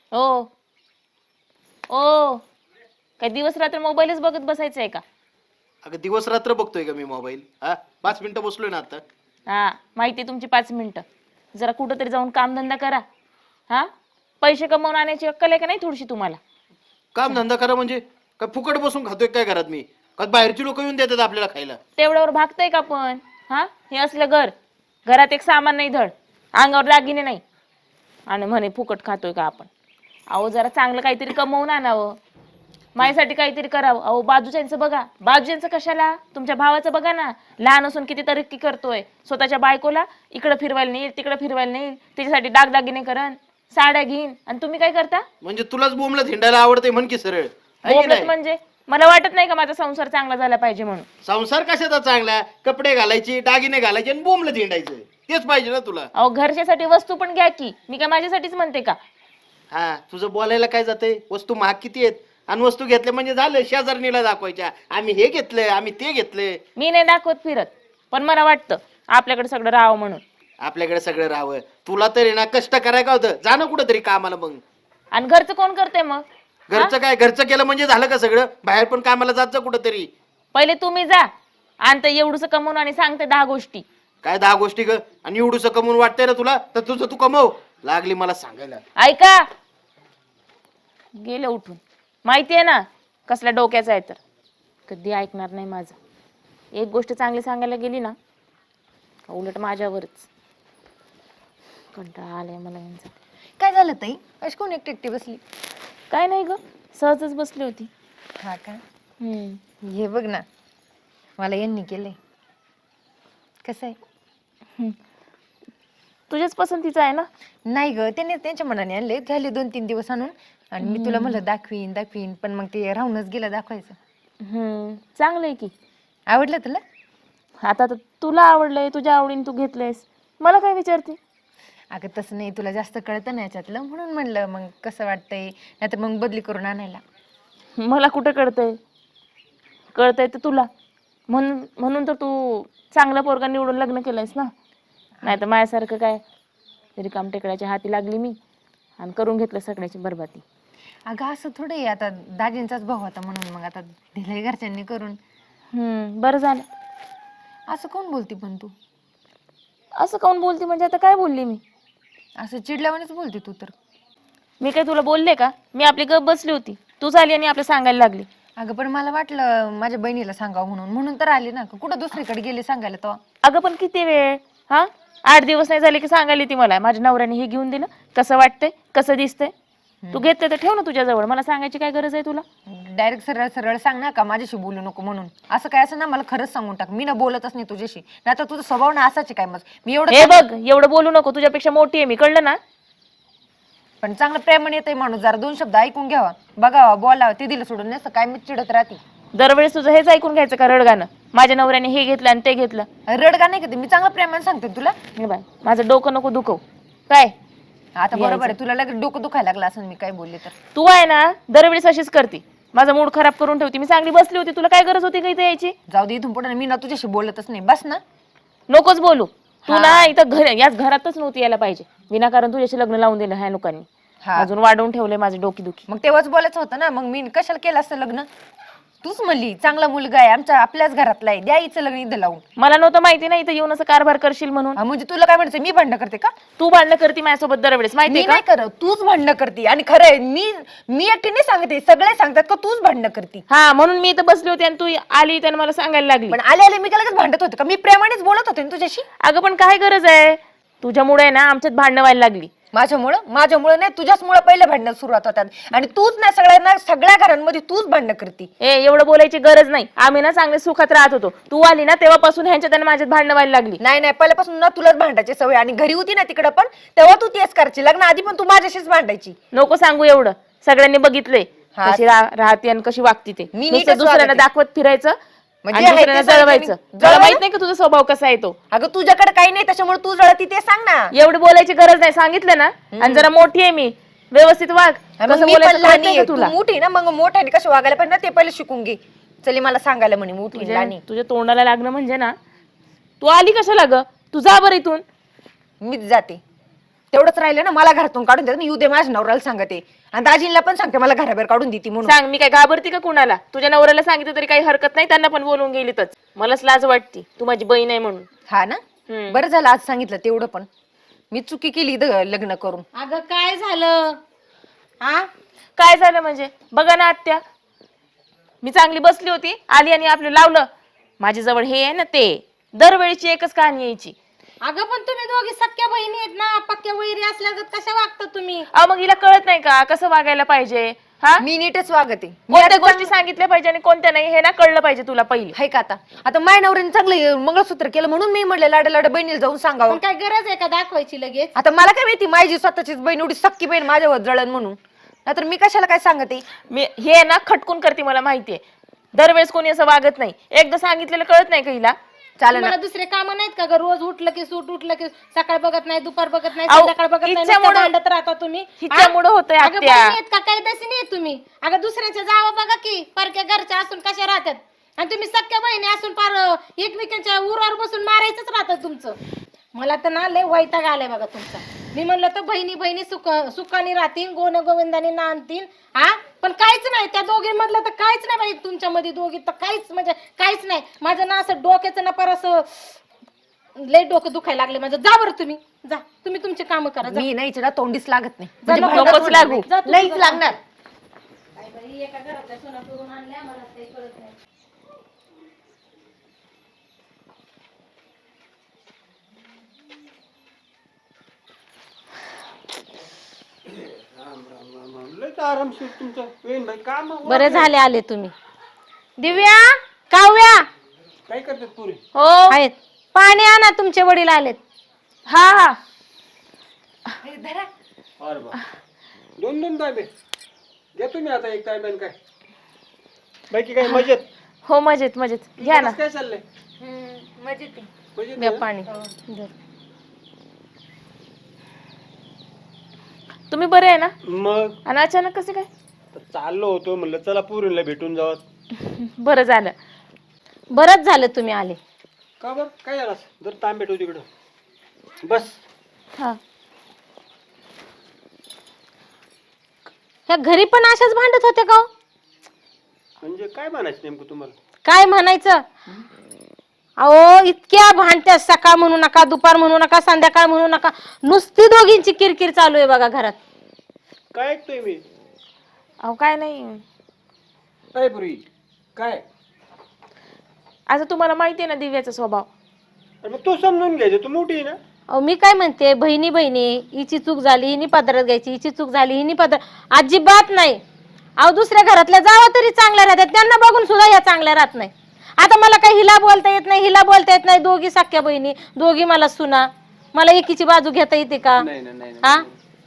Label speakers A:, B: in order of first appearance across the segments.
A: हो. ओ, काय दिवस रात्र मोबाईलच बघत बसायचं आहे का?
B: अगं दिवस रात्र बघतोय का मी मोबाईल? हा, 5 मिनिटं बसलोय ना आता.
A: हा, माहिती आहे तुमची 5 मिनिटं. जरा कुठंतरी जाऊन कामधंदा करा. हा, पैसे कमवून आणायची अक्कल आहे का नाही थोडीशी तुम्हाला?
B: काम धंदा करा म्हणजे काय फुकट बसून खातोय काय घरात मी? का बाहेरची लोक येऊन देतात आपल्याला खायला?
A: तेवढ्यावर भागतंय का पण? हा, हे असलं घरात एक सामान नाही धड, अंगावर दागिने नाही, आणि म्हणे फुकट खातोय का आपण? अहो जरा चांगलं काहीतरी कमवून आणावं, माझ्यासाठी काहीतरी करावं. अहो बाजूच्यांचं बघा, बाजूच्यांचं कशाला, तुमच्या भावाचं बघा ना, लहान असून किती तरक्की करतोय. स्वतःच्या बायकोला इकडं फिरवायला नेईल, तिकडं फिरवायला नेईल, त्याच्यासाठी दागदागिने करण, साड्या घेईन, आणि तुम्ही काय करता?
B: म्हणजे तुलाच बोंबला हिंडायला आवडते म्हण की सरळ. है की
A: बोबलत
B: नाही?
A: म्हणजे मला वाटत नाही का माझा संसार चांगला झाला पाहिजे म्हणून?
B: संसार कशाचा चांगला? कपडे घालायचे, दागिने घालायचे आणि बोंबलं हिंडायचं, तेच पाहिजे ना तुला?
A: अहो घरच्यासाठी वस्तू पण घ्या की, मी काय माझ्यासाठीच म्हणते का?
B: हा, तुझं बोलायला काय जातंय? वस्तू महाग किती आहेत, आणि वस्तू घेतल्या म्हणजे झालं शेजारणीला दाखवायच्या, आम्ही हे घेतलंय, आम्ही ते घेतलंय.
A: मी नाही दाखवत फिरत, पण मला वाटतं आपल्याकडे सगळं राहावं म्हणून.
B: आपल्याकडे सगळं राहावं. तुला तरी ना कष्ट करायला का होतं? जा ना कुठंतरी कामाला मग.
A: आणि घरचं कोण करते मग?
B: घरचं काय, घरचं केलं म्हणजे झालं का सगळं? बाहेर पण कामाला जात जा कुठंतरी.
A: पहिले तुम्ही जा, आणि ते एवढंच कमवून आणि सांगते 10 गोष्टी.
B: काय 10 गोष्टी ग? आणि एवढूस कमवून वाटतंय ना तुला, तर तुझं तू कमव. लागली मला सांगायला.
A: ऐका, गेले उठून. माहितीये ना कसल्या डोक्याचा आहे तर. कधी ऐकणार नाही माझं. एक गोष्ट चांगली सांगायला गेली ना, का उलट माझ्यावरच. कंटाळा आलाय मला यांचा.
C: काय झालं ताई? अशी कोण एकटी एकटी बसली?
A: काय नाही ग, सहजच बसली होती.
C: हा का?
A: हम्म.
C: हे बघ ना, मला यांनी केलंय. कसं आहे?
A: तुझ्याच पसंतीचा आहे ना?
C: नाही ग, त्याने त्यांच्या मनाने आणले, झाले 2-3 दिवस आणून, आणि मी तुला म्हणलं दाखवीन दाखवीन, पण मग ते राहूनच गेलं दाखवायचं.
A: चांगलं आहे की.
C: आवडलं तुला?
A: आता तर तुला आवडलंय, तुझ्या आवडीने तू घेतलंयस, मला काय विचारते?
C: अगं तसं नाही, तुला जास्त कळतं ना याच्यातलं, म्हणून म्हणलं मग कसं वाटतंय, नाही तर मग बदली करून आणायला.
A: मला कुठं कळतंय? कळतंय तर तुला, म्हणून तर तू चांगला पोरगा निवडून लग्न केलंयस ना. नाही तर माझ्यासारखं काय रिकाम टेकड्याच्या हाती लागली मी आणि करून घेतलं सगळ्याची बरबादी.
C: अगं असं थोडं आहे, आता दाजींचाच भाऊ होता म्हणून मग आता दिलंय घरच्यांनी करून.
A: बरं झालं.
C: असं कोण बोलती पण तू?
A: असं काऊन बोलते म्हणजे आता काय बोलली मी?
C: असं चिडल्यावानेच बोलते तू तर.
A: मी काय तुला बोलले का? मी आपली गप बसली होती, तू झाली आणि आपलं सांगायला लागली.
C: अगं पण मला वाटलं माझ्या बहिणीला सांगावं म्हणून तर आली ना. कुठं दुसरीकडे गेले सांगायला तो?
A: अगं पण किती वेळ? हा, 8 दिवस नाही झाले की सांगायला ती मला, माझ्या नवऱ्याने हे घेऊन दिलं, कसं वाटतंय, कसं दिसतंय. तू घेतलं तर ठेव ना तुझ्याजवळ, मला सांगायची काय गरज आहे तुला?
C: डायरेक्ट सरळ सरळ सांग ना, का माझ्याशी बोलू नको म्हणून. असं काय असं ना, मला खरंच सांगून टाक, मी ना बोलतच नाही तुझ्याशी. नाही तर तुझा स्वभाव ना असाच आहे काय. मग मी
A: हे बघ, एवढं बोलू नको, तुझ्यापेक्षा मोठी आहे मी, कळलं ना?
C: पण चांगलं प्रेमाने येतंय माणूस, जरा 2 शब्द ऐकून घ्यावा, बघावा, बोलावं, ते दिलं सोडून नसतं काय मी चिडत राहते.
A: दरवेळेस तुझं हेच ऐकून घ्यायचं का रडगाणं? माझ्या नवऱ्याने हे घेतलं आणि ते घेतलं.
C: रडगा नाही का? मी चांगलं प्रेमाने सांगते तुला.
A: हे बाय, माझं डोकं नको दुखव. काय
C: आता बरोबर आहे, तुला लगेच डोकं दुखायला लागलं असं मी काय बोलले तर.
A: तू आहे ना, दरवेळेस अशीच करते, माझा मूड खराब करून ठेवते. मी चांगली बसली होती, तुला काय गरज होती का इथे यायची?
C: जाऊ दे, इथून पुढे मी ना तुझ्याशी बोलतच नाही, बस ना.
A: नकोच बोलू तू ना, इथं याच घरातच नव्हती यायला पाहिजे. विनाकारण तुझ्याशी लग्न लावून दिलं ह्या लोकांनी, अजून वाढवून ठेवले माझे डोकी दुखी.
C: मग तेव्हाच बोलायचं होतं ना, मग मी कशाला केलं असतं लग्न? तूच म्हणली चांगला मुलगा आहे, आपल्याच घरातला आहे, द्यायचं लग्न इथं लावून.
A: मला नव्हतं माहिती ना इथं येऊन असं कारभार करशील म्हणून.
C: म्हणजे तुला काय म्हणायचं, मी भांडण करते का?
A: तू भांडणं करते माझ्यासोबत दरवेळेस, माहितीये का?
C: नाही करत, तूच भांडण करते. आणि खरं आहे, मी एकटी नाही सांगते, सगळे सांगतात का तूच भांडण करते.
A: हा, म्हणून मी इथं बसली होती आणि तू आली त्याने मला सांगायला लागली.
C: पण आले मी लगेच भांडत होते का? मी प्रेमानेच बोलत होते ना तुझ्याशी.
A: अगं पण काय गरज आहे? तुझ्यामुळे ना आमच्यात भांडणं व्हायला लागली.
C: माझ्यामुळं नाही, तुझ्याचमुळे पहिले भांडणं सुरुवात होतात. आणि तूच ना सगळ्या घरांमध्ये तूच भांडणं करते.
A: एवढं बोलायची गरज नाही. आम्ही ना चांगले सुखात राहत होतो, तू आली ना तेव्हापासून ह्यांच्यात आणि माझ्यात भांडणं व्हायला लागली.
C: नाही पहिल्यापासून ना तुलाच भांडायची सवय, आणि घरी होती ना तिकडं पण तेव्हा तू तेच करायची. लग्न आधी पण तू माझ्याशीच भांडायची.
A: नको सांगू एवढं, सगळ्यांनी बघितलंय कशी राहते आणि कशी वागते ते.
C: मी
A: नुसतं दुसऱ्यांना दाखवत फिरायचं
C: म्हणजे
A: आणि दुसऱ्यांना जळवायचं. तुला माहित नाही का तुझा स्वभाव कसा आहे तो?
C: अगं तुझ्याकडे काही नाही त्याच्यामुळे तू जळती, ते सांग ना.
A: एवढी बोलायची गरज नाही, सांगितलं ना. आणि जरा मोठी आहे मी, व्यवस्थित वाग. कसं बोलायचं कळत नाही का
C: तू
A: तुला?
C: मोठी ना, मग मोठ्याने कसं वागायला पाहिजे ना ते पहिले शिकून घे. चली मला सांगायला म्हणे मोठी लहानी.
A: तुझ्या तोंडाला लागणं म्हणजे ना, तू आली कशाला ग? तू जा बरं इथून.
C: मीच जाते. तेवढंच राहिलं ना, मला घरातून काढून देत, येऊ दे माझ्या नवऱ्याला सांगते आणि दाजींना पण सांगते मला घराबाहेर काढून देते म्हणून.
A: सांग, मी काय घाबरती का कुणाला? तुझ्या नवऱ्याला सांगितलं तरी काही हरकत नाही, त्यांना पण बोलवून गेलीतच. मलाच लाज वाटती, तू माझी बहीण आहे म्हणून.
C: हा ना, बरं झालं आज सांगितलं तेवढं. पण मी चुकी केली लग्न करून.
D: अगं काय झालं? हा,
A: काय झालं म्हणजे? बघा ना आत्या, मी चांगली बसली होती, आली आणि आपलं लावलं. माझ्या जवळ हे आहे ना, ते दरवेळीची एकच कहाणी यायची.
D: अगं पण तुम्ही दोघी सख्या बहिणी आहेत ना, पक्क्या वैरी असल्यागत कशा वागता तुम्ही?
A: अहो मग हिला कळत नाही का कसं वागायला पाहिजे? हा,
C: मी नीटच वागते.
A: कोणत्या गोष्टी सांगितल्या पाहिजे आणि कोणत्या नाही हे ना कळलं पाहिजे तुला पहिले.
C: हाय का? आता माय नवऱ्याने चांगलं मंगळसूत्र केलं म्हणून मी म्हणले लाडा लाडा बहिणीला जाऊन सांगावं.
D: पण काय गरज आहे का दाखवायची लगेच?
C: आता मला काय माहिती माझी स्वतःचीच बहीण एवढी सक्की बहीण माझ्यावर जळण म्हणून, नाहीतर मी कशाला काय सांगते.
A: मी हे ना खटकून करते, मला माहितीये. दरवेळेस कोणी असं वागत नाही. एकदा सांगितलेलं कळत नाही का हिला?
C: चालेल
D: मला दुसरे काम नाहीत का ग? रोज उठलं की सूट, उठलं की सकाळ बघत नाही, दुपार बघत नाही,
A: अहो,
D: संध्याकाळ बघत नाही,
A: हिच्यामुळं-
D: नुसतं भांडत राहता तुम्ही.
A: हिच्यामुळं होतंय
D: अगं
A: आत्या.
D: बहिणी आहेत का? काही तशी नाही तुम्ही. अगं दुसऱ्याच्या जावं बघा की, परक्या घरच्या असून कशा राहतात, आणि तुम्ही सख्या बहिणी असून पार एकमेकांच्या उरावर बसून मारायचंच राहतं तुमचं. मला तर ना लय वैताग आलाय बघा तुमचा. मी म्हणलं तर बहिणी बहिणी सुखाने राहतील, गोन गोविंदाने नांदतील. हा, पण काहीच नाही त्या दोघींमधलं, तर काहीच नाही बाई तुमच्यामध्ये दोघी, तर काहीच म्हणजे काहीच नाही. माझं ना असं डोक्याचं ना पर असं लय डोकं दुखायला लागले माझं. जा बरं तुम्ही, जा तुम्ही तुमचे काम करा. जा.
C: मी नाही चिडा, तोंडीच लागत नाही.
D: जा,
C: म्हणजे
D: नको
C: भांडणात
A: लागू.
D: जा तू
C: नाहीच
D: तुझं
C: लागणार.
D: काय बाई, एका घरातल्या सोना करून आणल्या, मला काही कळत नाही.
B: आरामशीर तुमचं वेण भाई काम
D: बरे झाले आले तुम्ही. दिव्या, काव्या
B: काय करतात पुरे?
A: हो,
D: आहेत. पाणी आणा, तुमचे वडील आलेत.
A: हा हा.
B: अरे बा, दोन दोन तांबे घ्या तुम्ही. आता एक तांब्यान काय बाकी काय मजेत?
A: हो मजेत मजेत, घ्या ना.
B: काय चाललंय?
C: मजेत
B: मजेत
D: द्या
B: आहे?
D: पाणी.
A: तुम्ही बरे आहे ना?
B: मग
A: आणि अचानक कसे काय?
B: तर चाललो होतो, म्हणलं चला पुरीला भेटून जावं.
A: बरं झालं.
D: बरंच झालं तुम्ही आले.
B: का बर काय झालं? जर तांबे ठेव तिकडं. बस.
A: हा,
D: ह्या घरी पण अशाच भांडत होते का हो?
B: म्हणजे काय म्हणायचं नेमकं तुम्हाला?
D: काय म्हणायचं? अहो इतक्या भांडत्या, सकाळ म्हणू नका, दुपार म्हणू नका, संध्याकाळ म्हणू नका, नुसती दोघींची किरकिर चालू आहे बघा घरात.
B: काय ऐकतोय मी?
A: अहो काय नाही.
B: काय पुरी काय?
A: आता तुम्हाला माहिती आहे ना दिव्याचा स्वभाव.
B: अरे मग तू समजून घ्यायचं, तू मोठी आहे ना.
D: अहो मी काय म्हणते, बहिणी बहिणी, हिची चूक झाली हिनी पदरात घ्यायची, हिची चूक झाली हिनी पदर, अजिबात नाही. अहो दुसऱ्या घरातल्या जावा तरी चांगल्या राहतात, त्यांना बघून सुद्धा ह्या चांगल्या राहत नाही. आता मला काही हिला बोलता येत नाही, हिला बोलता येत नाही, दोघी सख्या बहिणी, दोघी मला सुना, मला एकीची बाजू घेता येते का?
B: नाही नाही नाही
D: हा,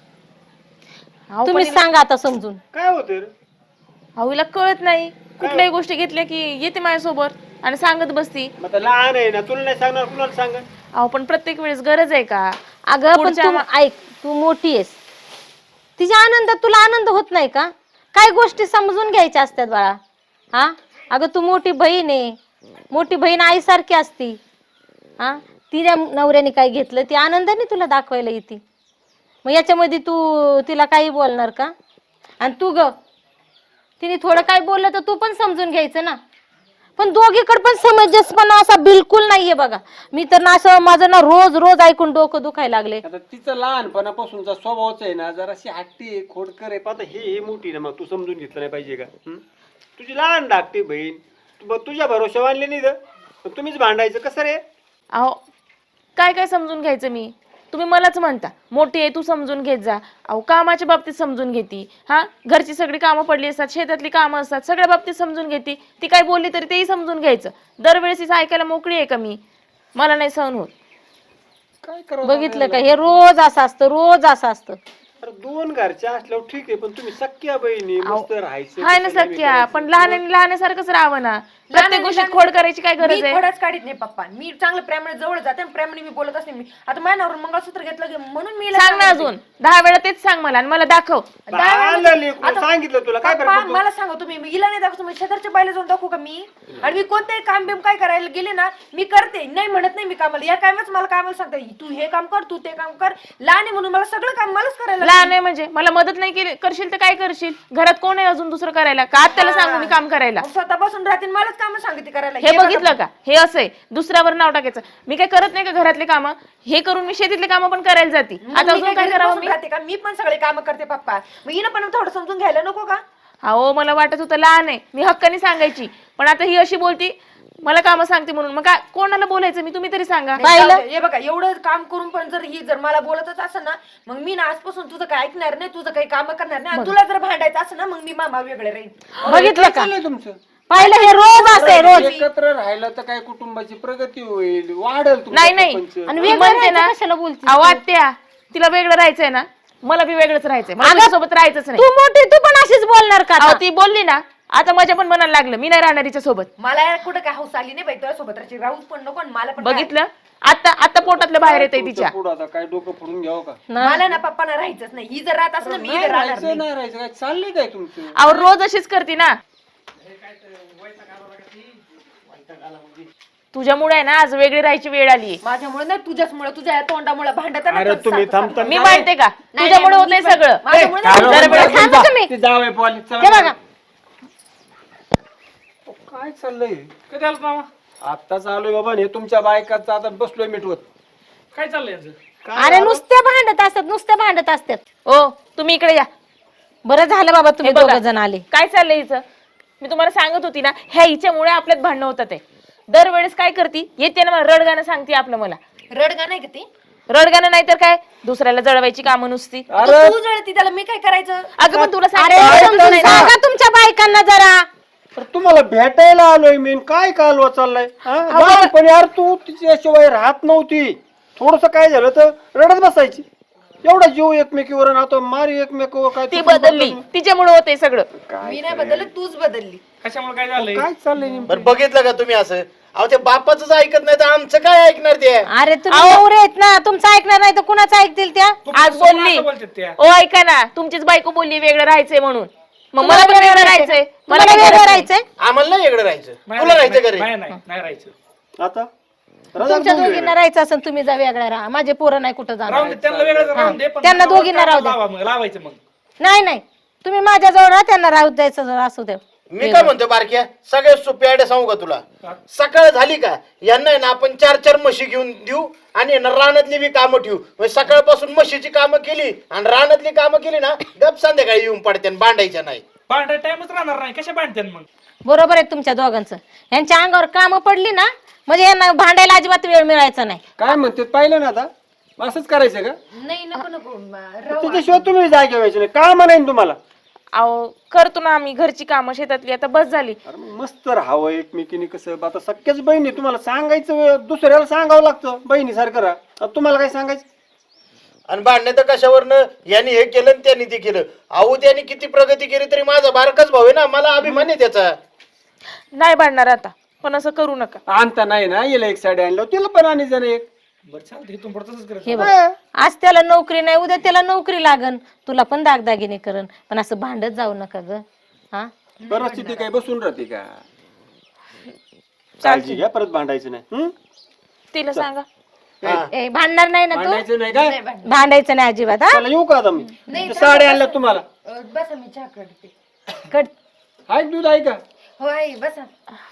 A: अहो,
D: तुम्ही
A: पण
D: सांगा आता समजून.
B: काय होतं रे?
A: अहो हिला कळत नाही. कुठल्याही गोष्टी घेतल्या की येते माझ्यासोबत आणि सांगत बसती.
B: मग आता लहान आहे ना, तुला नाही सांगणार, कुणाला सांगा?
A: अहो पण प्रत्येक वेळेस गरज आहे का?
D: अगं पण
A: पुढच्या
D: तू ऐक, तू मोठी आहेस, तिच्या आनंदात तुला आनंद होत नाही का? काय गोष्टी समजून घ्यायच्या असतात बाळा. हा, अगं तू मोठी बहीण आहे, मोठी बहीण आईसारखी असती. हा, तिच्या नवऱ्याने काय घेतलं ती आनंदाने तुला दाखवायला येते, मग याच्यामध्ये तू तिला काही बोलणार का? आणि तू ग, तिने थोडं काय बोललं तर तू पण समजून घ्यायचं ना. पण दोघीकडे पण समंजसपणा असा बिलकुल नाहीये बघा. मी तर ना असं माझं ना रोज रोज ऐकून डोकं दुखायला लागले.
B: आता तिचा लहानपणापासूनचा स्वभावच आहे ना, जराशी हट्टी आहे, खोडकर आहे. आता हे मोठी ना, मग तू समजून घेतलं नाही पाहिजे का? तुझी लहान धाकटी बहीण, तुझ्या भरोशा आणले नाही तर तुम्हीच भांडायचं कसं रे?
A: अहो काय काय समजून घ्यायचं मी? तुम्ही मलाच म्हणता मोठी आहे तू समजून घेत जा. अहो कामाच्या बाबतीत समजून घेती. हा, घरची सगळी कामं पडली असतात, शेतातली कामं असतात, सगळ्या बाबतीत समजून घेती. ती काय बोलली तरी तेही समजून घ्यायचं. दरवेळेस ऐकायला मोकळी आहे का मी? मला नाही सहन होत.
B: काय करावं?
D: बघितलं का, हे रोज असं असतं, रोज असं असतं.
B: अरे 2 घरच्या असल्यावर ठीक आहे, पण तुम्ही सख्या बहिणी मस्त राहायचं.
A: हाय ना सख्या, पण लहानासारखंच राहावं ना. प्रत्येक गोष्टीत खोड करायची काय गरज
C: मी
A: आहे?
C: खोडच काढीत नाही पप्पा. मी चांगलं प्रेमाने जवळ जाते आणि प्रेमाने मी बोलत असते. मी आता माझ्यावर मंगळसूत्र घेतलं की म्हणून मी हिला
A: सांग ना
C: सांगते.
A: अजून 10 वेळा तेच सांग मला आणि मला दाखव.
B: आलं लेकरू, सांगितलं तुला काय
C: पप्पा,
B: फरक पडतो?
C: मला सांगा तुम्ही, मी हिला नाही दाखवतो, मी शेजारच्या बायला जाऊन दाखवू का मी? आणि मी कोणतेही काम बिम काय करायला गेले ना, मी करते, नाही म्हणत नाही मी कामाला. या कामच मला कामाला सांगता, तू हे काम कर, तू ते काम कर. लहान आहे म्हणून मला सगळं काम मलाच करायला
A: लहान आहे म्हणजे मला मदत नाही केली करशील तर काय करशील? घरात कोण आहे अजून दुसरं करायला? का त्याला सांगू मी काम करायला?
C: मग स्वतः बसून राहते आणि मलाच काम सांगते करायला.
A: हे बघितलं का? हे असं आहे, दुसऱ्यावर नाव टाकायचं. मी काय करत नाही का घरातले कामं? हे करून मी शेतीतले कामं पण करायला जाते. आता अजून काय करावं मी?
C: राहते का? मी पण सगळे काम करते पप्पा. मग हिनं पण थोडं समजून घ्यायला नको का?
A: अहो मला वाटत होतं लहान आहे, मी हक्काने सांगायची, पण आता ही अशी बोलती मला कामं सांगते म्हणून. मग काय कोणाला बोलायचं मी? तुम्ही तरी सांगा.
C: हे बघा, एवढं काम करून पण जर मला बोलतच असं ना, मग मी ना आजपासून तुझं काय ऐकणार नाही, तुझं काही काम करणार नाही. आणि तुला जर भांडायचं असं ना, मग मी मामा वेगळे राहील.
D: बघितलं का?
B: चाललंय तुमचं
D: पाहिलं, हे रोज असते रोज.
B: एकत्र राहिलं तर काय कुटुंबाची प्रगती होईल, वाढेल
A: नाही नाही
D: आणि
A: मी
D: वेगळं
A: म्हणते ना,
D: राहायचं कशाला बोलते?
A: अहो आत्या, तिला वेगळं राहायचंय ना, मला बी वेगळंच राहायचंय. मला सोबत राहायचंच नाही.
D: तू मोठी, तू पण अशीच बोलणार का
A: अहो
D: आता?
A: ती बोलली ना, आता माझ्या पण मनाला लागलं, मी नाही राहणार हिच्या सोबत.
C: मला कुठं काय हौस आली नाही बाई तुझ्या सोबत राहायची. राहूच पण नको आणि मला पण काय.
A: बघितलं, आता पोटातलं बाहेर येतंय तिच्या.
B: पुढं आता काय डोकं फोडून घ्यावं का?
C: मला ना पप्पाना राहायचंच नाही. ही जर राहत असं ना, मी
B: नाही
C: इथं राहणार
B: राहायचं
C: नाही.
B: नाही राहायचं, काय चाललंय काय तुमचं?
A: अहो रोज अशीच करते ना. तुझ्यामुळे आहे ना आज वेगळी राहायची वेळ आली.
C: माझ्यामुळे नाही, तुझ्याचमुळे, तुझ्या या तोंडामुळे भांडत
B: अरे तुम्ही थांबता
A: मी मानते का तुझ्यामुळे होतंय सगळं?
C: माझ्यामुळे
A: जरा वेळ
D: थांबा तुम्ही.
B: ते जावई पोली, चला.
D: हे बघा,
B: काय चाललंय? कधी आलं मामा? आत्ताच आलोय बाबा. हे तुमच्या बायकाचं आता बसलोय मिटवत.
E: काय चाललंय यांचं?
D: अरे नुसते भांडत असतात, नुसते भांडत असतात.
A: ओ तुम्ही इकडे या.
D: बरं झालं बाबा तुम्ही
A: हे बघा,
D: दोघ जण आले.
A: काय चाललंय हिचं? मी तुम्हाला सांगत होती ना, ह्या हिच्यामुळे आपल्यात भांडणं होतात. ते दरवेळेस काय करती, येते ना मला रडगाणं सांगते आपलं. मला
C: रडगा नाही का ती?
A: रडगाणं नाही तर काय, दुसऱ्याला जळवायची कामं नुसती.
C: आता तू जळती त्याला, मी काय करायचं?
A: अगं पण तुला
D: अरे
A: सांगितलं
D: समजून
A: नाही ना.
D: सांगा तुमच्या बायकांना जरा.
B: तर तुम्हाला भेटायला आलोय मी. काय कालवा चाललाय? पण यार तू तिच्याशिवाय राहत नव्हती. थोडस काय झालं तर रडत बसायची. एवढा जीव एकमेकीवर आणि आता मारी एकमेकावर. काय
A: ती बदलली, तिच्यामुळे होतंय सगळं.
C: मी नाही बदलली, तूच बदलली.
E: कशामुळे काय झालंय?
B: काय चाललंय नेमकं?
F: बरं बघितलं का तुम्ही असं? अहो ते बापाच ऐकत नाही तर आमचं काय ऐकणार ते?
D: अरे तुम्ही नवरे आहेत ना, तुमचं ऐकणार नाही तर कुणाचं ऐकतील त्या?
A: आज बोलली.
E: असं बोलतात त्या.
A: ओ ऐका ना, तुमचीच बायको बोलली वेगळं राहायचंय म्हणून. मग मला पण वेगळं राहायचंय. मला
D: मला
A: काय
D: वेगळं
A: करायचंय?
D: राहायचंय.
F: आम्हाला नाही इकडे राहायचं.
E: नाही,
F: तुला राहायचं
E: नाही,
F: घरी.
E: नाही नाही नाही राहायचं.
B: आता
D: तुमच्या दोघींना राहायचं असेल तुम्ही जा वेगळ्या राहा. माझे पोरं नाही कुठं जाणार.
E: राहून दे, त्यांना वेगळं राहून दे, पण
D: त्यांना
E: नावावर
D: दोघींना
E: काय
D: राहू दे.
E: लावा मग, लावायचं मग.
D: नाही नाही, तुम्ही माझ्याजवळ राहा, त्यांना राहू द्यायचं जरा असू दे.
F: मी काय म्हणतो बारक्या, सगळ्यात सोपी आयडिया सांगू का तुला? सकाळ झाली का यांना आहे ना आपण 4-4 म्हशी घेऊन देऊ आणि यांना रानातली बी कामं ठेवू. म्हणजे सकाळपासून म्हशीची कामं केली आणि रानातली कामं केली ना, गप संध्याकाळी येऊन पडते आणि भांडायच्या नाही.
E: भांडाय टाइमच राहणार नाही, कशा भांडते मग?
D: बरोबर आहे तुमच्या दोघांचं. यांच्या अंगावर कामं पडली ना, म्हणजे यांना भांडायला अजिबात वेळ मिळायचा नाही.
B: काय म्हणते पाहिलं ना आता? असंच करायचं का?
C: नाही नको नको राहू.
B: त्याच्याशिवाय तुम्ही जागे व्हायचे नाही. काय म्हणायन तुम्हाला?
A: अहो करतो ना आम्ही घरची कामं शेतातली, आता बस झाली.
B: अरे मग मस्त राहावं एकमेकीने. कसं आता सख्याच बहिणी, तुम्हाला सांगायचं दुसऱ्याला सांगावं लागतं बहिणीसारखं राहा. आता तुम्हाला काय सांगायचं?
F: आणि भांडणे तर कशावरनं, यांनी हे केलं आणि त्यांनी ते केलं. अहो त्यांनी किती प्रगती केली तरी माझा बारकाच भाऊ आहे ना, मला अभिमान आहे त्याचा.
A: नाही भांडणार आता, पण असं करू नका.
B: आणता नाही ना, याला एक साडी आणलं तिला पण आणि जण एक.
E: बरं चालतं, इथून पुढे तसंच करायचं.
D: हे बघ, आज त्याला नोकरी नाही, उद्या त्याला नोकरी लागन, तुला पण दागदागिने करन, पण असं भांडत जाऊ नका ग. हा,
B: परिस्थिती काय बसून राहते का? काळजी घ्या, परत भांडायचं नाही.
A: तिला सांगा.
D: ए, भांडणार नाही ना तू?
B: भांडायचं नाही काय?
D: भांडायचं नाही अजिबात. हा,
B: चला येऊ का आता मी? त्या साड्या आणल्या तुम्हाला.
C: बसा, मी चहा करते.
D: कट.
B: आहे दूध आहे का?
C: हो आई बसा.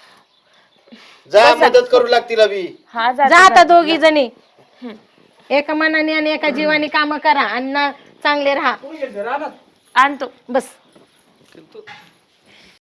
F: जा मदत करू लागतील अभि.
A: हा
D: जा आता दोघी जणी एका मनाने आणि एका जीवाने काम करा आणि ना चांगले राहा.
A: आणतो.
D: बस.